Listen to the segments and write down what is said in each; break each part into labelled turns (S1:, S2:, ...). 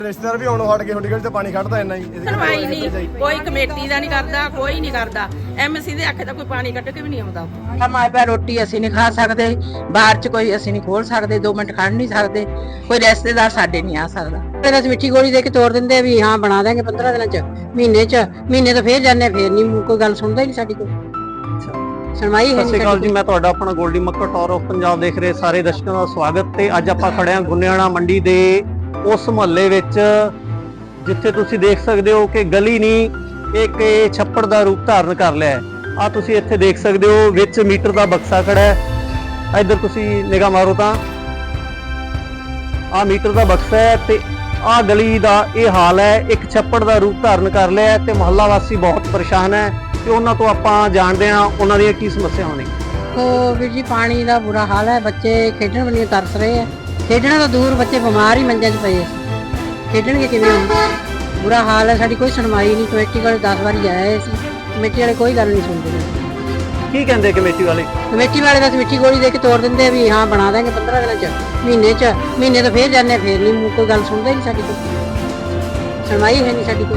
S1: ਰਿਸ਼ਤੇਦਾਰ ਵੀ ਆਉਣੋਂ ਹਟ ਕੇ ਤੁਹਾਡੀ ਗਲੀ ਤੇ ਪਾਣੀ ਕੱਢਦਾ ਇੰਨਾ ਹੀ
S2: ਸੁਣਵਾਈ ਨਹੀਂ, ਕੋਈ ਕਮੇਟੀ ਦਾ ਨਹੀਂ ਕਰਦਾ, ਕੋਈ ਨਹੀਂ ਕਰਦਾ। ਐਮਸੀ ਦੇ ਆਖੇ ਤਾਂ ਕੋਈ ਪਾਣੀ ਕੱਢ ਕੇ ਵੀ ਨਹੀਂ ਆਉਂਦਾ।
S3: ਮਾਏ ਪੈ ਰੋਟੀ ਅਸੀਂ ਨਹੀਂ ਖਾ ਸਕਦੇ, ਬਾਹਰ ਚ ਕੋਈ ਅਸੀਂ ਨਹੀਂ ਖੋਲ ਸਕਦੇ, 2 ਮਿੰਟ ਖੜ ਨਹੀਂ ਸਕਦੇ, ਕੋਈ ਰਿਸ਼ਤੇਦਾਰ ਸਾਡੇ ਨਹੀਂ ਆ ਸਕਦਾ। ਫਿਰ ਅਸੀਂ ਮਿੱਠੀ ਗੋਲੀ ਦੇ ਕੇ ਤੋੜ ਦਿੰਦੇ ਆ ਵੀ ਹਾਂ ਬਣਾ ਦੇਾਂਗੇ 15 ਦਿਨਾਂ ਚ, ਮਹੀਨੇ ਤੋਂ ਫੇਰ ਜਾਂਦੇ, ਫੇਰ ਨਹੀਂ ਕੋਈ ਗੱਲ ਸੁਣਦਾ ਹੀ ਨਹੀਂ ਸਾਡੀ ਕੋਈ ਸੁਣਵਾਈ ਹੈ।
S4: ਸਤਿ ਸ਼੍ਰੀ ਅਕਾਲ ਜੀ, ਮੈਂ ਤੁਹਾਡਾ ਆਪਣਾ ਗੋਲਡੀ ਮੱਕੜ ਟੌਰ ਆਫ ਪੰਜਾਬ ਦੇਖ ਰਹੇ ਸਾਰੇ ਦਰਸ਼ਕਾਂ ਦਾ ਸਵਾਗਤ। ਤੇ ਅੱਜ ਆਪਾਂ ਖੜੇ ਹਾਂ ਗੁੰਨਿਆਣਾ ਮੰਡੀ ਦੇ ਉਸ ਮੁਹੱਲੇ ਵਿੱਚ ਜਿੱਥੇ ਤੁਸੀਂ ਦੇਖ ਸਕਦੇ ਹੋ ਕਿ ਗਲੀ ਨਹੀਂ, ਇੱਕ ਇਹ ਛੱਪੜ ਦਾ ਰੂਪ ਧਾਰਨ ਕਰ ਲਿਆ ਹੈ। ਆ ਤੁਸੀਂ ਇੱਥੇ ਦੇਖ ਸਕਦੇ ਹੋ ਵਿੱਚ ਮੀਟਰ ਦਾ ਬਕਸਾ ਖੜਾ ਹੈ। ਇੱਧਰ ਤੁਸੀਂ ਨਿਗਾਹ ਮਾਰੋ ਤਾਂ ਆ ਮੀਟਰ ਦਾ ਬਕਸਾ ਹੈ ਤੇ ਆ ਗਲੀ ਦਾ ਇਹ ਹਾਲ ਹੈ। ਇੱਕ ਛੱਪੜ ਦਾ ਰੂਪ ਧਾਰਨ ਕਰ ਲਿਆ ਤੇ ਮੁਹੱਲਾ ਵਾਸੀ ਬਹੁਤ ਪਰੇਸ਼ਾਨ ਹੈ ਤੇ ਉਹਨਾਂ ਤੋਂ ਆਪਾਂ ਜਾਣਦੇ ਹਾਂ ਉਹਨਾਂ ਦੀਆਂ ਕੀ ਸਮੱਸਿਆਵਾਂ ਨੇ।
S3: ਵੀਰ ਜੀ ਪਾਣੀ ਦਾ ਬੁਰਾ ਹਾਲ ਹੈ, ਬੱਚੇ ਖੇਡਣ ਵੱਲ ਤਰਸ ਰਹੇ ਆ, ਖੇਡਣਾ ਤਾਂ ਦੂਰ, ਬੱਚੇ ਬਿਮਾਰ ਹੀ ਮੰਜਿਆਂ 'ਚ ਪਏ, ਖੇਡਣਗੇ ਕਿਵੇਂ? ਬੁਰਾ ਹਾਲ ਹੈ, ਸਾਡੀ ਕੋਈ ਸੁਣਵਾਈ ਨਹੀਂ। ਕਮੇਟੀ ਕੋਲ 10 ਵਾਰੀ ਆਏ ਸੀ, ਕਮੇਟੀ ਵਾਲੇ ਕੋਈ ਗੱਲ ਨਹੀਂ ਸੁਣਦੇ।
S4: ਕੀ ਕਹਿੰਦੇ ਕਮੇਟੀ ਵਾਲੇ?
S3: ਕਮੇਟੀ ਵਾਲੇ ਬਸ ਮਿੱਠੀ ਗੋਲੀ ਦੇ ਕੇ ਤੋੜ ਦਿੰਦੇ ਆ ਵੀ ਹਾਂ ਬਣਾ ਦੇਾਂਗੇ 15 ਦਿਨਾਂ ਚ, ਮਹੀਨੇ ਤੋਂ ਫੇਰ ਜਾਂਦੇ, ਫੇਰ ਨਹੀਂ ਕੋਈ ਗੱਲ ਸੁਣਦਾ ਹੀ ਨਹੀਂ ਸਾਡੀ ਕੋਈ ਸੁਣਵਾਈ ਹੈ ਨਹੀਂ ਸਾਡੀ ਕੋਈ।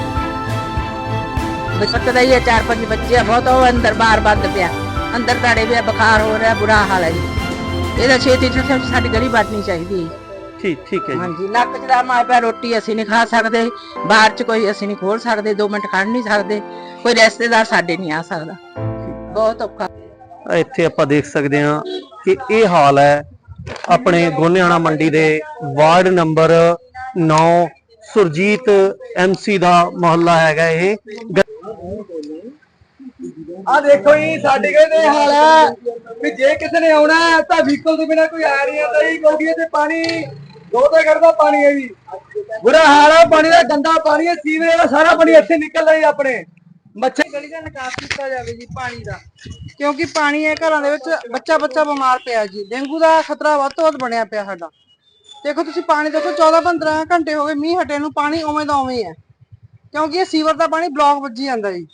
S3: ਬੱਚਾ ਦਾ ਹੀ 4-5 ਬੱਚੇ ਆ, ਬਹੁਤ ਉਹ ਅੰਦਰ ਬਾਹਰ ਬੰਦ ਪਿਆ, ਅੰਦਰ ਤਾੜੇ ਪਿਆ, ਬੁਖਾਰ ਹੋ ਰਿਹਾ, ਬੁਰਾ ਹਾਲ ਹੈ ਜੀ। ਇਹਦਾ ਛੇਤੀ ਸਾਡੀ ਗਲੀ ਬਾਟਣੀ ਚਾਹੀਦੀ ਹੈ।
S4: ਠੀਕ ਹੈ
S3: ਹਾਂਜੀ, ਨੱਕ ਚ ਦਾ ਮਾਏ ਪੈ ਰੋਟੀ ਅਸੀਂ ਨਹੀਂ ਖਾ ਸਕਦੇ, ਬਾਹਰ ਚ ਕੋਈ ਅਸੀਂ ਨਹੀਂ ਖੋਲ ਸਕਦੇ, 2 ਮਿੰਟ ਖੜ ਨਹੀਂ ਸਕਦੇ, ਕੋਈ ਰਿਸ਼ਤੇਦਾਰ ਸਾਡੇ ਨਹੀਂ ਆ ਸਕਦਾ, ਬਹੁਤ ਔਖਾ।
S4: ਇੱਥੇ ਆਪਾਂ ਦੇਖ ਸਕਦੇ ਹਾਂ ਕਿ ਇਹ ਹਾਲ ਹੈ ਆਪਣੇ ਗੋਨਿਆਣਾ ਮੰਡੀ ਦੇ ਵਾਰਡ ਨੰਬਰ 9 ਸੁਰਜੀਤ ਐਮਸੀ ਦਾ ਮੁਹੱਲਾ ਹੈਗਾ ਇਹ।
S1: ਆ ਦੇਖੋ ਜੀ ਸਾਡੇ ਘਰੇ ਹਾਲ ਹੈ ਵੀ ਜੇ ਕਿਸੇ ਨੇ ਆਉਣਾ ਤਾਂ ਵਹੀਕਲ ਤੋਂ ਬਿਨਾ ਕੋਈ ਆ ਨਹੀਂ ਆਉਂਦਾ ਜੀ, ਕਿਉਂਕਿ ਤੇ ਪਾਣੀ ਦੋ ਤਾਂ ਕਰਦਾ ਪਾਣੀ ਹੈ ਜੀ, ਬੁਰਾ ਹਾਲ ਹੈ ਪਾਣੀ ਦਾ, ਗੰਦਾ ਪਾਣੀ ਹੈ, ਸੀਵਰੇਜ ਦਾ ਸਾਰਾ ਪਾਣੀ ਇੱਥੇ ਨਿਕਲਦਾ ਜੀ। ਆਪਣੇ ਮੱਛਰ
S5: ਗਲੀ ਦਾ ਨਿਕਾਸ ਕੀਤਾ ਜਾਵੇ ਜੀ ਪਾਣੀ ਦਾ, ਕਿਉਂਕਿ ਪਾਣੀ ਹੈ ਘਰਾਂ ਦੇ ਵਿੱਚ, ਬੱਚਾ ਬਿਮਾਰ ਪਿਆ ਜੀ, ਡੇਂਗੂ ਦਾ ਖਤਰਾ ਵੱਧ ਤੋਂ ਵੱਧ ਬਣਿਆ ਪਿਆ ਸਾਡਾ। ਦੇਖੋ ਤੁਸੀਂ ਪਾਣੀ ਦੇਖੋ, 14-15 ਘੰਟੇ ਹੋ ਗਏ ਮੀਂਹ ਹਟੇ ਨੂੰ, ਪਾਣੀ ਉਵੇਂ ਦਾ ਉਵੇਂ ਹੈ, ਕਿਉਂਕਿ ਇਹ ਸੀਵਰ ਦਾ ਪਾਣੀ ਬਲੌਕ ਵੱਜੀ ਜਾਂਦਾ ਜੀ।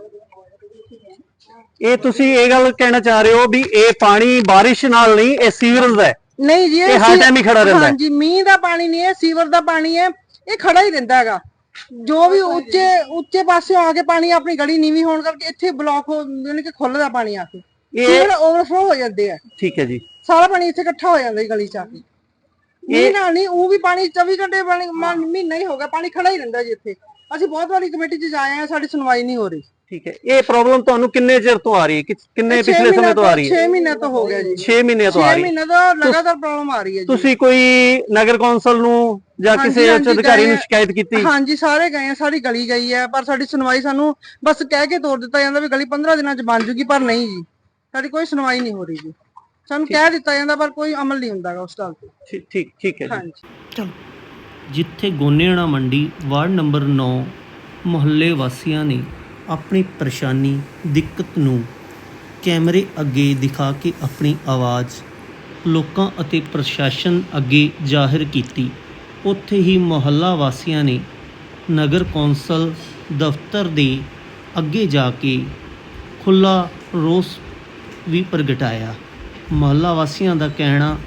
S4: ਇਹ ਤੁਸੀਂ ਇਹ ਗੱਲ ਕਹਿਣਾ ਚਾਹ ਰਹੇ ਹੋ ਵੀ ਇਹ ਪਾਣੀ ਬਾਰਿਸ਼ ਨਾਲ ਨਹੀਂ, ਇਹ ਸੀਵਰੇਜ ਦਾ ਹੈ?
S5: ਨਹੀਂ ਜੀ,
S4: ਇਹ ਹਰ ਟਾਈਮ ਹੀ ਖੜਾ ਰਹਿੰਦਾ ਹੈ?
S5: ਹਾਂਜੀ, ਮੀਂਹ ਦਾ ਪਾਣੀ ਨਹੀਂ ਹੈ, ਸੀਵਰ ਦਾ ਪਾਣੀ ਹੈ, ਇਹ ਖੜਾ ਹੀ ਰਹਿੰਦਾ ਹੈਗਾ। ਜੋ ਵੀ ਉੱਚੇ ਪਾਸੇ ਆ ਕੇ ਪਾਣੀ, ਆਪਣੀ ਗਲੀ ਨੀਵੀਂ ਹੋਣ ਕਰਕੇ ਇੱਥੇ ਬਲੌਕ ਯਾਨੀ ਕਿ ਖੁੱਲਦਾ ਪਾਣੀ ਆ ਕੇ, ਸੀਵਰ ਓਵਰਫਲੋ ਹੋ ਜਾਂਦੇ ਆ।
S4: ਠੀਕ ਹੈ ਜੀ,
S5: ਸਾਰਾ ਪਾਣੀ ਇੱਥੇ ਇਕੱਠਾ ਹੋ ਜਾਂਦਾ ਗਲੀ ਚ ਆ ਕੇ। ਇਹ ਨਾਲ ਨਹੀਂ, ਉਹ ਵੀ ਪਾਣੀ 24 ਘੰਟੇ ਮਹੀਨਾ ਹੀ ਹੋ ਗਿਆ ਪਾਣੀ ਖੜਾ ਹੀ ਰਹਿੰਦਾ ਜੀ ਇੱਥੇ। ਅਸੀਂ ਬਹੁਤ ਵਾਰੀ ਕਮੇਟੀ ਚ ਜਾਏ ਆ, ਸਾਡੀ ਸੁਣਵਾਈ ਨਹੀਂ ਹੋ ਰਹੀ।
S4: ਠੀਕ ਹੈ, ਇਹ ਪ੍ਰੋਬਲਮ ਤੁਹਾਨੂੰ ਕਿੰਨੇ ਚਿਰ ਤੋਂ ਆ ਰਹੀ ਹੈ? ਕਿੰਨੇ ਪਿਛਲੇ ਸਮੇਂ ਤੋਂ ਆ ਰਹੀ ਹੈ?
S5: 6 ਮਹੀਨੇ ਤੋਂ ਹੋ ਗਿਆ ਜੀ।
S4: 6 ਮਹੀਨੇ ਤੋਂ ਆ ਰਹੀ ਹੈ?
S5: 6 ਮਹੀਨੇ ਤੋਂ ਲਗਾਤਾਰ ਪ੍ਰੋਬਲਮ ਆ ਰਹੀ ਹੈ ਜੀ।
S4: ਤੁਸੀਂ ਕੋਈ ਨਗਰ ਕੌਂਸਲ ਨੂੰ ਜਾਂ ਕਿਸੇ ਉੱਚ ਅਧਿਕਾਰੀ ਨੂੰ ਸ਼ਿਕਾਇਤ ਕੀਤੀ?
S5: ਹਾਂਜੀ, ਸਾਰੇ ਗਏ ਆ, ਸਾਡੀ ਗਲੀ ਗਈ ਹੈ, ਪਰ ਸਾਡੀ ਸੁਣਵਾਈ ਸਾਨੂੰ ਬਸ ਕਹਿ ਕੇ ਤੋੜ ਦਿੱਤਾ ਜਾਂਦਾ ਵੀ ਗਲੀ 15 ਦਿਨਾਂ ਚ ਬਣ ਜੂਗੀ, ਪਰ ਨਹੀਂ ਜੀ, ਸਾਡੀ ਕੋਈ ਸੁਣਵਾਈ ਨਹੀਂ ਹੋ ਰਹੀ ਜੀ। ਸਾਨੂੰ ਕਹਿ ਦਿੱਤਾ ਜਾਂਦਾ ਪਰ ਕੋਈ ਅਮਲ ਨਹੀਂ ਹੁੰਦਾ ਉਸ ਗੱਲ ਤੇ।
S4: ਠੀਕ ਹੈ ਜੀ।
S5: ਹਾਂਜੀ,
S4: ਚਲੋ।
S6: ਜਿੱਥੇ ਗੋਨਿਆਣਾ ਮੰਡੀ ਵਾਰਡ ਨੰਬਰ 9 ਮੁਹੱਲੇ ਵਾਸੀਆਂ ਨੇ ਆਪਣੀ ਪਰੇਸ਼ਾਨੀ, ਦਿੱਕਤ ਨੂੰ ਕੈਮਰੇ ਅੱਗੇ ਦਿਖਾ ਕੇ ਆਪਣੀ ਆਵਾਜ਼ ਲੋਕਾਂ ਅਤੇ ਪ੍ਰਸ਼ਾਸਨ ਅੱਗੇ ਜ਼ਾਹਿਰ ਕੀਤੀ, ਉੱਥੇ ਹੀ ਮੁਹੱਲਾ ਵਾਸੀਆਂ ਨੇ ਨਗਰ ਕੌਂਸਲ ਦਫ਼ਤਰ ਦੇ ਅੱਗੇ ਜਾ ਕੇ ਖੁੱਲ੍ਹਾ ਰੋਸ ਵੀ ਪ੍ਰਗਟਾਇਆ। ਮੁਹੱਲਾ ਵਾਸੀਆਂ ਦਾ ਕਹਿਣਾ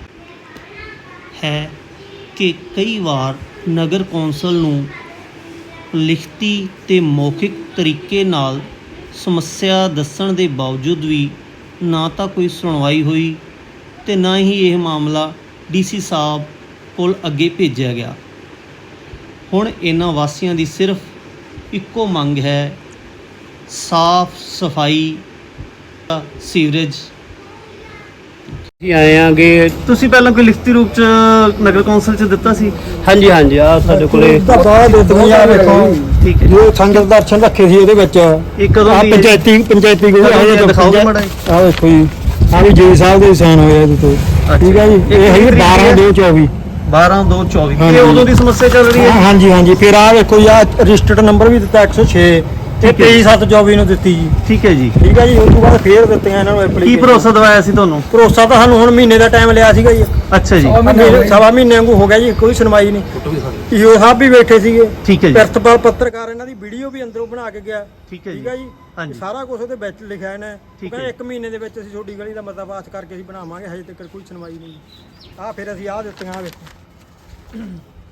S6: ਹੈ ਕਿ ਕਈ ਵਾਰ ਨਗਰ ਕੌਂਸਲ ਨੂੰ ਲਿਖਤੀ ਤੇ ਮੌਖਿਕ ਤਰੀਕੇ ਨਾਲ ਸਮੱਸਿਆ ਦੱਸਣ ਦੇ ਬਾਵਜੂਦ ਵੀ ਨਾ ਤਾਂ ਕੋਈ ਸੁਣਵਾਈ ਹੋਈ ਤੇ ਨਾ ਹੀ ਇਹ ਮਾਮਲਾ ਡੀਸੀ ਸਾਹਿਬ ਕੋਲ ਅੱਗੇ ਭੇਜਿਆ ਗਿਆ। ਹੁਣ ਇਹਨਾਂ ਵਾਸੀਆਂ ਦੀ ਸਿਰਫ ਇੱਕੋ ਮੰਗ ਹੈ, ਸਾਫ਼ ਸਫਾਈ, ਸੀਵਰੇਜ।
S4: ਜੀ ਆਏ ਆਂਗੇ, ਤੁਸੀਂ ਪਹਿਲਾਂ ਕੋਈ ਲਿਖਤੀ ਰੂਪ ਚ ਨਗਰ ਕੌਂਸਲ ਚ ਦਿੱਤਾ ਸੀ?
S7: ਹਾਂਜੀ ਆ ਸਾਡੇ ਕੋਲੇ
S1: ਬਾਹਰ ਦੇ ਦੁਨੀਆ ਵੇਖੋ।
S4: ਠੀਕ ਹੈ,
S1: ਜੋ ਸੰਗਤ ਦਰਸ਼ਨ ਰੱਖੇ ਸੀ ਇਹਦੇ ਵਿੱਚ
S4: ਇਹ ਕਦੋਂ ਦੀ
S1: ਪੰਚਾਇਤੀ ਕੋਈ
S4: ਦਿਖਾਓ ਮਾੜਾ ਜੀ।
S1: ਆ ਵੇਖੋ ਜੀ, ਆ ਵੀ ਜੀ ਸਾਹਿਬ ਦੇ ਸਾਈਨ ਹੋਏ ਇਹਦੇ ਤੇ। ਠੀਕ ਹੈ ਜੀ, ਇਹ ਹੈਗੀ 12/2/24।
S4: 12/2/24 ਇਹ ਉਦੋਂ ਦੀ ਸਮੱਸਿਆ ਚੱਲ ਰਹੀ ਹੈ?
S1: ਹਾਂਜੀ। ਫਿਰ ਆ ਵੇਖੋ ਜੀ, ਆ ਰਜਿਸਟਰਡ ਨੰਬਰ ਵੀ ਦਿੱਤਾ 106 ਤੇ 23/7/24 ਨੂੰ ਦਿੱਤੀ ਜੀ।
S4: ਠੀਕ ਹੈ ਜੀ।
S1: ਠੀਕ ਹੈ ਜੀ, ਉਸ ਤੋਂ ਬਾਅਦ ਫੇਰ ਦਿੱਤੀਆਂ ਇਹਨਾਂ ਨੂੰ ਐਪਲੀਕੇਸ਼ਨ।
S4: ਕੀ ਭਰੋਸਾ ਦਵਾਇਆ ਸੀ ਤੁਹਾਨੂੰ?
S1: ਭਰੋਸਾ ਤਾਂ ਸਾਨੂੰ ਹੁਣ ਮਹੀਨੇ ਦਾ ਟਾਈਮ ਲਿਆ ਸੀਗਾ ਜੀ।
S4: ਅੱਛਾ ਜੀ,
S1: ਸਵਾ ਮਹੀਨੇ ਵਾਂਗੂ ਹੋ ਗਿਆ ਜੀ, ਕੋਈ ਸੁਣਵਾਈ ਨਹੀਂ। ਈਓ ਸਾਹਿਬ ਵੀ ਬੈਠੇ ਸੀਗੇ।
S4: ਠੀਕ ਹੈ ਜੀ।
S1: ਪ੍ਰਿੰਸੀਪਲ ਪੱਤਰਕਾਰ ਇਹਨਾਂ ਦੀ ਵੀਡੀਓ ਵੀ ਅੰਦਰੋਂ ਬਣਾ ਕੇ ਗਿਆ।
S4: ਠੀਕ ਹੈ ਜੀ।
S1: ਹਾਂਜੀ, ਸਾਰਾ ਕੁਝ ਉਹਦੇ ਵਿੱਚ ਲਿਖਿਆ ਇਹਨੇ।
S4: ਠੀਕ ਹੈ।
S1: 1 ਮਹੀਨੇ ਦੇ ਵਿੱਚ ਅਸੀਂ ਤੁਹਾਡੀ ਗਲੀ ਦਾ ਮਤਾ ਪਾਸ ਕਰਕੇ ਅਸੀਂ ਬਣਾਵਾਂਗੇ, ਹਜੇ ਤੱਕ ਕੋਈ ਸੁਣਵਾਈ ਨਹੀਂ। ਆ ਫਿਰ ਅਸੀਂ ਆ ਦਿੱਤੀਆਂ, ਆ ਵੇਖੋ।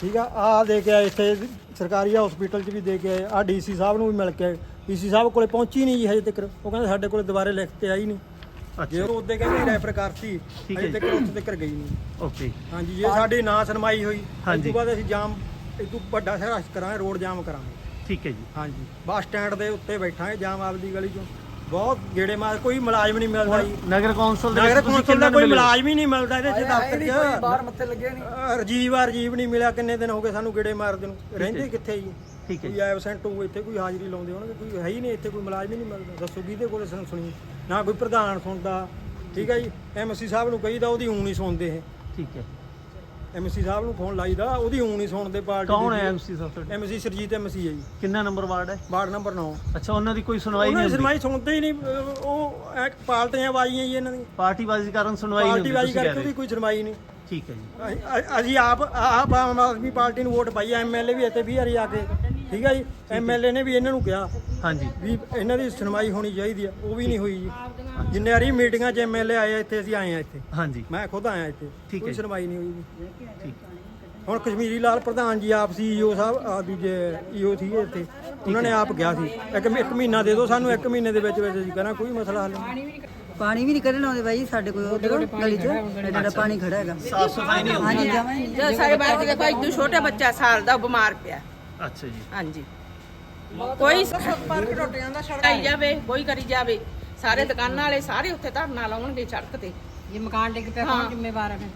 S8: ਠੀਕ ਆ ਦੇ ਕੇ ਆਏ ਇੱਥੇ ਸਰਕਾਰੀ ਹਸਪੀਟਲ 'ਚ ਵੀ ਦੇ ਕੇ ਆਏ, ਆ ਡੀਸੀ ਸਾਹਿਬ ਨੂੰ ਵੀ ਮਿਲ ਕੇ ਆਏ। ਡੀਸੀ ਸਾਹਿਬ ਕੋਲੇ ਪਹੁੰਚੀ ਨਹੀਂ ਜੀ ਹਜੇ ਤੱਕ, ਉਹ ਕਹਿੰਦੇ ਸਾਡੇ ਕੋਲੇ ਦੁਬਾਰੇ ਲਿਖ ਕੇ ਆਈ ਨਹੀਂ। ਜੇ ਉਹ ਉਹਦੇ ਕਹਿੰਦੇ ਰੈਫਰ ਕਰਤੀ, ਹਜੇ ਤੱਕ ਉੱਥੇ ਤੱਕ ਗਈ ਨਹੀਂ।
S4: ਓਕੇ
S8: ਹਾਂਜੀ, ਜੇ ਸਾਡੀ ਨਾ ਸੁਣਵਾਈ ਹੋਈ
S4: ਹਾਂਜੀ।
S8: ਇਸ ਤੋਂ ਬਾਅਦ ਅਸੀਂ ਜਾਮ, ਇਸ ਤੋਂ ਵੱਡਾ ਸੰਘਰਸ਼ ਕਰਾਂਗੇ, ਰੋਡ ਜਾਮ ਕਰਾਂਗੇ।
S4: ਠੀਕ ਹੈ ਜੀ।
S8: ਹਾਂਜੀ, ਬੱਸ ਸਟੈਂਡ ਦੇ ਉੱਤੇ ਬੈਠਾਂਗੇ ਜਾਮ ਆਪਦੀ ਗਲੀ 'ਚੋਂ, ਬਹੁਤ ਗੇੜੇ ਮਾਰ, ਕੋਈ ਮੁਲਾਜ਼ਮ ਨਹੀਂ ਮਿਲਦਾ ਜੀ।
S4: ਨਗਰ ਕੌਂਸਲ
S8: ਨਗਰ ਕੌਂਸਲ ਦਾ ਕੋਈ ਮੁਲਾਜ਼ਮ ਹੀ ਨਹੀਂ ਮਿਲਦਾ ਇਹਦੇ 'ਚ ਦਫ਼ਤਰ 'ਚ।
S1: ਬਾਹਰ ਮੱਥੇ ਲੱਗੇ ਨਹੀਂ।
S8: ਰਜੀਵ ਨਹੀਂ ਮਿਲਿਆ, ਕਿੰਨੇ ਦਿਨ ਹੋ ਗਏ ਸਾਨੂੰ ਗੇੜੇ ਮਾਰਦੇ ਨੂੰ। ਰਹਿੰਦੇ ਕਿੱਥੇ ਜੀ?
S4: ਠੀਕ ਹੈ
S8: ਕੋਈ ਐਬਸੈਂਟ ਹੋਊ ਇੱਥੇ, ਕੋਈ ਹਾਜ਼ਰੀ ਲਾਉਂਦੇ ਹੋਣਗੇ, ਕੋਈ ਹੈ ਹੀ ਨਹੀਂ ਇੱਥੇ, ਕੋਈ ਮੁਲਾਜ਼ਮ ਹੀ ਨਹੀਂ ਮਿਲਦਾ। ਦੱਸੋ ਕਿਹਦੇ ਕੋਲੇ ਸੁਣੀ? ਨਾ ਕੋਈ ਪ੍ਰਧਾਨ ਸੁਣਦਾ। ਠੀਕ ਹੈ ਜੀ, ਐਮਸੀ ਸਾਹਿਬ ਨੂੰ ਕਹੀਦਾ, ਉਹਦੀ ਊਂ ਨਹੀਂ ਸੁਣਦੇ ਇਹ।
S4: ਠੀਕ ਹੈ।
S8: ਐਮਸੀ ਸਾਹਿਬ ਨੂੰ ਫੋਨ ਲਾਈਦਾ, ਉਹਦੀ ਊਂ ਨਹੀਂ ਸੁਣਦੇ ਪਾਰਟੀ।
S4: ਕੌਣ ਹੈ ਐਮਸੀ ਸਾਹਿਬ?
S8: ਐਮਸੀ ਸਰਜੀਤ ਐਮਸੀ ਹੈ ਜੀ।
S4: ਕਿੰਨਾ ਨੰਬਰ ਵਾਰਡ ਹੈ?
S8: Ward number 9।
S4: ਅੱਛਾ, ਉਹਨਾਂ ਦੀ ਕੋਈ ਸੁਣਵਾਈ
S8: ਉਹਨਾਂ
S4: ਨਹੀਂ
S8: ਦੀ
S4: ਹੁੰਦੀ?
S8: ਸੁਣਵਾਈ ਸੁਣਦੇ ਹੀ ਨਹੀਂ। ਉਹ ਪਾਰਟੀਆਂ ਬਾਜ਼ੀਆਂ ਜੀ ਇਹਨਾਂ ਦੀ,
S4: ਪਾਰਟੀਬਾਜ਼ੀ ਕਾਰਨ ਸੁਣਵਾਈ ਨਹੀਂ ਹੁੰਦੀ
S8: ਪਾਰਟੀਬਾਜ਼ੀ
S4: ਤੁਸੀਂ ਕਹਿ
S8: ਕਰਕੇ
S4: ਰਹੇ।
S8: ਉਹਦੀ ਕੋਈ ਸੁਣਵਾਈ ਨਹੀਂ।
S4: ਠੀਕ ਹੈ ਜੀ।
S8: ਅਸੀਂ ਆਪ ਆਮ ਆਦਮੀ ਪਾਰਟੀ ਨੂੰ ਵੋਟ ਪਾਈ। ਐਮਐਲਏ ਵੀ ਇੱਥੇ 20 ਵਾਰੀ ਆ ਕੇ, ਠੀਕ ਹੈ ਜੀ, ਐਮਐਲਏ ਨੇ ਵੀ ਇਹਨਾਂ ਨੂੰ ਕਿਹਾ
S4: ਹਾਂਜੀ
S8: ਵੀ ਇਹਨਾਂ ਦੀ ਸੁਣਵਾਈ ਹੋਣੀ ਚਾਹੀਦੀ ਆ, ਉਹ ਵੀ ਨਹੀਂ ਹੋਈ ਜੀ। ਜਿੰਨੇ ਵਾਰੀ ਮੀਟਿੰਗਾਂ 'ਚ ਐਮਐਲਏ ਆਏ ਆ ਇੱਥੇ, ਅਸੀਂ ਆਏ ਆ ਇੱਥੇ,
S4: ਹਾਂਜੀ
S8: ਮੈਂ ਖੁਦ ਆਇਆ ਇੱਥੇ,
S4: ਠੀਕ ਹੈ
S8: ਕੋਈ
S4: ਜੀ।
S8: ਸੁਣਵਾਈ ਨਹੀਂ ਹੋਈ ਜੀ।
S4: ਠੀਕ
S8: ਹੁਣ ਕਸ਼ਮੀਰੀ ਲਾਲ ਪ੍ਰਧਾਨ ਜੀ ਆਪ ਸੀ, ਈਓ ਸਾਹਿਬ ਆ ਦੂਜੇ ਈਓ ਸੀਗੇ ਇੱਥੇ, ਉਹਨਾਂ ਨੇ ਆਪ ਕਿਹਾ ਸੀ ਇੱਕ ਮਹੀਨਾ ਦੇ ਦਿਓ ਸਾਨੂੰ, 1 ਮਹੀਨੇ ਦੇ ਵਿੱਚ ਅਸੀਂ ਕਰਾਂ ਕੋਈ ਮਸਲਾ ਹੱਲ ਨਹੀਂ।
S9: ਪਾਣੀ ਵੀ ਨਹੀਂ ਕੱਢਣ ਆਉਂਦੇ ਬਾਈ ਸਾਡੇ ਕੋਲ ਉਧਰ ਗਲੀ 'ਚ ਜਿਹੜਾ ਪਾਣੀ ਖੜਾ ਹੈਗਾ।
S4: ਸਾਫ ਸਫਾਈ ਨਹੀਂ ਹੁੰਦੀ।
S9: ਹਾਂਜੀ ਜਮਾਂ ਹੀ
S2: ਜਦੋਂ ਸਾਡੇ ਬਾਹਰ ਦੇ ਕੋਈ ਇੱਕ ਛੋਟਾ ਬੱਚਾ ਸਾਲ ਦਾ ਬਿਮਾਰ ਪਿਆ।
S4: ਅੱਛਾ ਜੀ।
S2: ਹਾਂਜੀ, ਕੋਈ
S5: ਪਾਰਕ ਟੁੱਟ ਜਾਂਦਾ ਸੜਕ।
S2: ਆਈ ਜਾਵੇ, ਕੋਈ ਕਰੀ ਜਾਵੇ, ਸਾਰੇ ਦੁਕਾਨਾਂ ਵਾਲੇ ਸਾਰੇ ਉੱਥੇ ਧਰਨਾ ਲਾਉਣਗੇ ਸੜਕ ਤੇ।
S3: ਜੇ ਮਕਾਨ ਡਿੱਗ ਪਿਆ ਕੌਣ ਜ਼ਿੰਮੇਵਾਰ ਹੈ?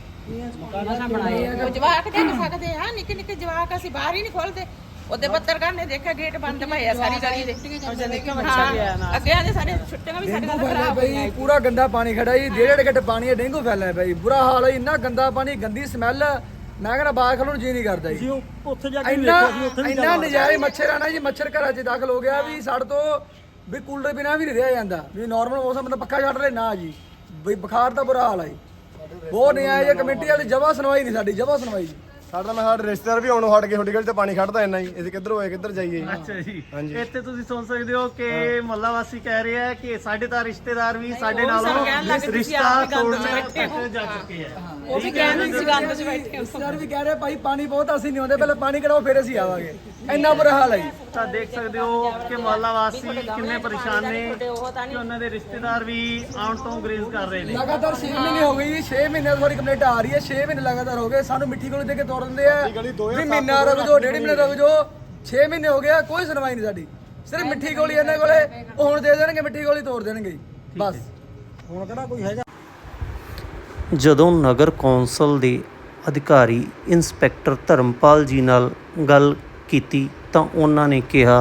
S2: ਉਹ ਜਵਾਕ ਦੇ ਸਕਦੇ ਆ, ਨਿੱਕੇ ਨਿੱਕੇ ਜਵਾਕ, ਅਸੀਂ ਬਾਹਰ ਹੀ ਨਹੀਂ ਖੋਲਦੇ। ਉਹਦੇ ਪੱਤਰਕਾਰ ਨੇ ਦੇਖਿਆ ਗੇਟ ਬੰਦ ਪਏ ਆ ਸਾਰੀ ਗਲੀ ਦੇ। ਹਾਂ, ਅੱਗੇ ਆਦੇ ਸਾਰੇ ਛੁੱਟੀਆਂ ਵੀ ਸਾਡੇ ਨਾਲ ਖਰਾਬ ਹੋਈਆਂ।
S1: ਬਈ ਪੂਰਾ ਗੰਦਾ ਪਾਣੀ ਖੜਾ ਜੀ, 1.5 ਘੰਟੇ ਪਾਣੀ ਹੈ, ਡੇਂਗੂ ਫੈਲਿਆ ਬਈ, ਬੁਰਾ ਹਾਲ ਹੈ। ਇੰਨਾ ਗੰਦਾ ਪਾਣੀ, ਗੰਦੀ ਸਮੈਲ, ਮੈਂ ਕਹਿੰਦਾ ਬਾਹਰ ਖਲੋਣ ਨੂੰ ਜੀ ਨਹੀਂ ਕਰਦਾ ਜੀ।
S8: ਅਸੀਂ ਉੱਥੇ ਜਾ ਕੇ
S1: ਇੰਨਾ
S8: ਵੇਖਿਆ ਸੀ, ਉੱਥੇ ਵੀ
S1: ਇੰਨਾ ਨਜ਼ਾਰੇ ਮੱਛਰ ਆਣਾ ਜੀ, ਮੱਛਰ ਘਰਾਂ 'ਚ ਦਾਖਲ ਹੋ ਗਿਆ ਵੀ ਸਾਡੇ ਤੋਂ ਵੀ ਕੂਲਰ ਬਿਨਾ ਵੀ ਨਹੀਂ ਰਿਹਾ ਜਾਂਦਾ। ਵੀ ਨਾਰਮਲ ਮੌਸਮ ਬੰਦਾ ਪੱਖਾ ਛੱਡ ਲੈ ਨਾ ਜੀ, ਬਈ ਬੁਖਾਰ ਦਾ ਬੁਰਾ ਹਾਲ ਹੈ। ਬਹੁਤ ਨਿਆਂ ਇਹ ਕਮੇਟੀ ਵਾਲੀ ਜਮਾ ਸੁਣਵਾਈ ਨਹੀਂ ਸਾਡੀ, ਜਮਾ ਸੁਣਵਾਈ ਜੀ।
S10: ਸਾਡਾ ਨਾ ਸਾਡੇ ਰਿਸ਼ਤੇਦਾਰ ਵੀ ਆਉਣੋਂ ਹਟ ਗਏ, ਤੁਹਾਡੀ ਗਲੀ ਤੇ ਪਾਣੀ ਖੜਦਾ ਇੰਨਾ ਹੀ, ਅਸੀਂ ਕਿੱਧਰ ਹੋਏ ਕਿੱਧਰ ਜਾਈਏ।
S4: ਅੱਛਾ ਜੀ। ਇੱਥੇ ਤੁਸੀਂ ਸੁਣ ਸਕਦੇ ਹੋ ਕਿ ਮੁਹੱਲਾ ਵਾਸੀ ਕਹਿ ਰਹੇ ਆ ਕਿ ਸਾਡੇ ਤਾਂ ਰਿਸ਼ਤੇਦਾਰ ਵੀ ਸਾਡੇ ਨਾਲੋਂ ਰਿਸ਼ਤਾ ਤੋੜਨ ਤੱਕ ਜਾ ਚੁੱਕੇ ਆ।
S2: ਉਹ ਵੀ ਕਹਿੰਦੇ ਸੀ ਗੰਦ 'ਚ ਬੈਠੇ।
S1: ਰਿਸ਼ਤੇਦਾਰ ਵੀ ਕਹਿ ਰਹੇ ਭਾਈ ਪਾਣੀ ਬਹੁਤ, ਅਸੀਂ ਨਹੀਂ ਆਉਂਦੇ, ਪਹਿਲਾਂ ਪਾਣੀ ਕਢਾਓ ਫਿਰ ਅਸੀਂ ਆਵਾਂਗੇ। ਇੰਨਾ ਬੁਰਾ ਹਾਲ ਹੈ ਜੀ।
S4: ਤਾਂ ਦੇਖ ਸਕਦੇ ਹੋ ਕਿ ਮੁਹੱਲਾ ਵਾਸੀ ਕਿੰਨੇ ਪਰੇਸ਼ਾਨ ਨੇ ਕਿ ਉਹਨਾਂ ਦੇ ਰਿਸ਼ਤੇਦਾਰ ਵੀ ਆਉਣ ਤੋਂ ਗੁਰੇਜ਼ ਕਰ ਰਹੇ ਨੇ।
S1: ਲਗਾਤਾਰ 6 ਮਹੀਨੇ ਹੋ ਗਏ ਜੀ, 6 ਮਹੀਨੇ ਤੋਂ ਕੰਪਲੇਂਟ ਆ ਰਹੀ ਹੈ, 6 ਮਹੀਨੇ ਲਗਾਤਾਰ ਹੋ ਗਏ। ਸਾਨੂੰ ਮਿੱਠੀ ਗੋਲੀ ਦੇ ਕੇ ਤੋੜ ਦਿੰਦੇ ਆ ਵੀ ਮਹੀਨਾ ਰੁਕ ਜਾਓ, 1.5 ਮਹੀਨੇ ਰੁਕ ਜਾਓ। 6 ਮਹੀਨੇ ਹੋ ਗਏ, ਕੋਈ ਸੁਣਵਾਈ ਨਹੀਂ ਸਾਡੀ। ਸਿਰਫ ਮਿੱਠੀ ਗੋਲੀ ਇਹਨਾਂ ਕੋਲੇ, ਉਹ ਹੁਣ ਦੇ ਦੇਣਗੇ, ਮਿੱਠੀ ਗੋਲੀ ਤੋੜ ਦੇਣਗੇ ਬਸ।
S8: ਹੁਣ ਕਿਹੜਾ ਕੋਈ ਹੈਗਾ।
S6: ਜਦੋਂ ਨਗਰ ਕੌਂਸਲ ਦੇ ਅਧਿਕਾਰੀ ਇੰਸਪੈਕਟਰ ਧਰਮਪਾਲ ਜੀ ਨਾਲ ਗੱਲ ਕੀਤੀ ਤਾਂ ਉਹਨਾਂ ਨੇ ਕਿਹਾ,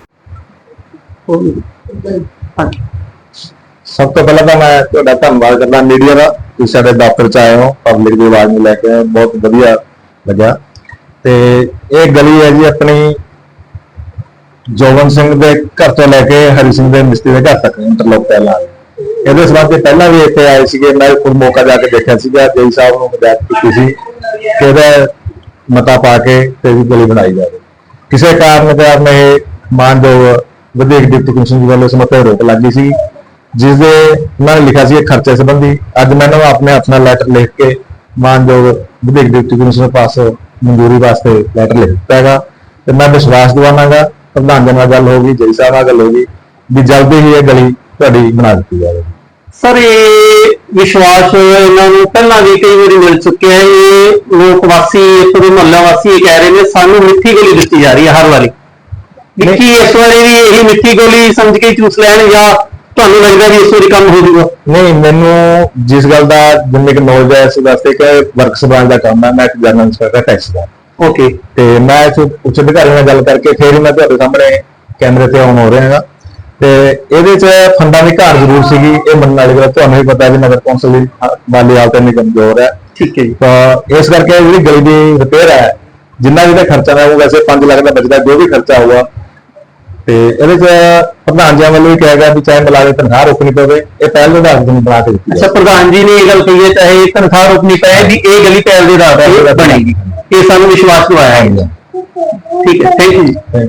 S10: ਸਭ ਤੋਂ ਪਹਿਲਾਂ ਤਾਂ ਮੈਂ ਤੁਹਾਡਾ ਧੰਨਵਾਦ ਕਰਦਾ ਮੀਡੀਆ ਦਾ, ਤੁਸੀਂ ਸਾਡੇ ਦਫ਼ਤਰ 'ਚ ਆਏ ਹੋ, ਪਬਲਿਕ ਦੀ ਆਵਾਜ਼ ਨੂੰ ਲੈ ਕੇ ਆਏ, ਬਹੁਤ ਵਧੀਆ ਲੱਗਾ। ਤੇ ਇਹ ਗਲੀ ਹੈ ਜੀ ਆਪਣੀ ਜੋਗਨ ਸਿੰਘ ਦੇ ਘਰ ਤੋਂ ਲੈ ਕੇ ਹਰੀ ਸਿੰਘ ਦੇ ਮਿਸਤਰੀ ਦੇ ਘਰ ਤੱਕ ਇੰਟਰਲੋਕ ਪਹਿਲਾਂ। ਇਹਦੇ ਸੰਬੰਧ ਪਹਿਲਾਂ ਵੀ ਇੱਥੇ ਆਏ ਸੀਗੇ, ਮੈਂ ਖੁਦ ਮੌਕਾ ਜਾ ਕੇ ਦੇਖਿਆ ਸੀਗਾ, ਜੇਈ ਸਾਹਿਬ ਨੂੰ ਹਦਾਇਤ ਕੀਤੀ ਸੀ ਕਿ ਇਹਦਾ ਮਤਾ ਪਾ ਕੇ ਤੇ ਗਲੀ ਬਣਾਈ ਜਾਵੇ। ਕਿਸੇ ਕਾਰਨ ਇਹ ਮਾਨਯੋਗ ਵਿਦਿਅਕ ਡਿਪਟੀ ਕਮਿਸ਼ਨਰ ਵੱਲੋਂ ਇਸ ਮਤੇ ਰੋਕ ਲੱਗੀ ਸੀ, ਜਿਸ ਦੇ ਉਹਨਾਂ ਨੇ ਲਿਖਿਆ ਸੀ ਖਰਚੇ ਸੰਬੰਧੀ। ਅੱਜ ਮੈਨੂੰ ਆਪਣੇ ਹੱਥ ਨਾਲ ਲੈਟਰ ਲਿਖ ਕੇ ਮਾਨਯੋਗ ਵਿਦਿਅਕ ਡਿਪਟੀ ਕਮਿਸ਼ਨਰ ਪਾਸ ਮਨਜ਼ੂਰੀ ਵਾਸਤੇ ਲੈਟਰ ਲਿਖ ਦਿੱਤਾ ਹੈਗਾ। ਤੇ ਮੈਂ ਵਿਸ਼ਵਾਸ ਦਿਵਾਵਾਂਗਾ, ਪ੍ਰਧਾਨ ਜੀ ਨਾਲ ਗੱਲ ਹੋ ਗਈ, ਜੇਈ ਸਾਹਿਬ ਨਾਲ ਗੱਲ ਹੋ ਗਈ, ਵੀ ਜਲਦੀ ਹੀ ਇਹ ਗਲੀ ਤੁਹਾਡੀ ਬਣਾ ਦਿੱਤੀ ਜਾਵੇਗੀ।
S7: ਸਰ ਇਹ ਵਿਸ਼ਵਾਸ ਇਹਨਾਂ ਨੂੰ ਪਹਿਲਾਂ ਵੀ ਕਈ ਵਾਰੀ ਮਿਲ ਚੁੱਕਿਆ ਹੈ। ਇਹ ਲੋਕ ਵਾਸੀ, ਪੂਰੇ ਮੁਹੱਲਾ ਵਾਸੀ ਇਹ ਕਹਿ ਰਹੇ ਨੇ ਸਾਨੂੰ ਮਿੱਠੀ ਗੋਲੀ ਦਿੱਤੀ ਜਾ ਰਹੀ ਹੈ ਹਰ ਵਾਰੀ। ਕੀ ਇਸ ਵਾਰੀ ਵੀ ਇਹੀ ਮਿੱਠੀ ਗੋਲੀ ਸਮਝ ਕੇ ਚੂਸ ਲੈਣ, ਜਾਂ ਤੁਹਾਨੂੰ ਲੱਗਦਾ ਵੀ ਇਸ ਵਾਰੀ ਕੰਮ ਹੋ ਜਾਊਗਾ?
S10: ਨਹੀਂ, ਮੈਨੂੰ ਜਿਸ ਗੱਲ ਦਾ ਜਿੰਨੀ ਕੁ ਨੌਲੇਜ ਹੈ ਇਸ ਵਾਸਤੇ ਕਿ ਵਰਕਸ ਬ੍ਰਾਂਚ ਦਾ ਕੰਮ ਹੈ, ਮੈਂ ਇੱਕ ਜਨਰਲ ਇੰਸਪੈਕਟਰ ਟੈਕਸ ਦਾ।
S7: ਓਕੇ।
S10: ਤੇ ਮੈਂ ਉੱਚ ਅਧਿਕਾਰੀ ਨਾਲ ਗੱਲ ਕਰਕੇ ਫਿਰ ਹੀ ਮੈਂ ਤੁਹਾਡੇ ਸਾਹਮਣੇ ਕੈਮਰੇ ਤੇ ਆਨ ਹੋ ਰਿਹਾ ਹੈਗਾ। ਤੇ ਇਹਦੇ 'ਚ ਫੰਡਾਂ ਦੀ ਘਾਟ ਜ਼ਰੂਰ ਸੀਗੀ, ਇਹ ਮੰਨਣ ਵਾਲੀ ਗੱਲ। ਤੁਹਾਨੂੰ ਵੀ ਪਤਾ ਵੀ ਨਗਰ ਕੌਂਸਲ ਦੀ ਮਾਲੀ ਹਾਲਤ ਇੰਨੀ ਕਮਜ਼ੋਰ ਹੈ।
S7: ਠੀਕ ਹੈ ਜੀ।
S10: ਤਾਂ ਇਸ ਕਰਕੇ ਜਿਹੜੀ ਗਲੀ ਦੀ ਰਿਪੇਅਰ ਹੈ, ਜਿੰਨਾ ਵੀ ਖਰਚਾ ਹੈ ਉਹ ਵੈਸੇ 5 ਲੱਖ ਦਾ ਬਚਦਾ, ਜੋ ਵੀ ਖਰਚਾ ਹੋਊਗਾ। ਤੇ ਇਹਦੇ 'ਚ ਪ੍ਰਧਾਨ ਜੀ ਵੱਲੋਂ ਵੀ ਕਿਹਾ ਗਿਆ ਵੀ ਚਾਹੇ ਮੁਲਾਜ਼ਮ ਤਨਖਾਹ ਰੋਕਣੀ ਪਵੇ, ਇਹ ਪਹਿਲ ਦੇ ਆਧਾਰ ਤੇ ਬਣਾ ਕੇ ਦਿੱਤੀ।
S7: ਅੱਛਾ, ਪ੍ਰਧਾਨ ਜੀ ਨੇ ਇਹ ਗੱਲ ਕਹੀ ਹੈ ਚਾਹੇ ਤਨਖਾਹ ਰੋਕਣੀ ਪਏ ਵੀ ਇਹ ਗਲੀ ਪਹਿਲ ਦੇ ਆਧਾਰ ਤੇ ਬਣੇਗੀ, ਇਹ ਸਾਨੂੰ ਵਿਸ਼ਵਾਸ ਦਿਵਾਇਆ ਹੈ। ਠੀਕ ਹੈ, ਥੈਂਕ ਯੂ ਜੀ।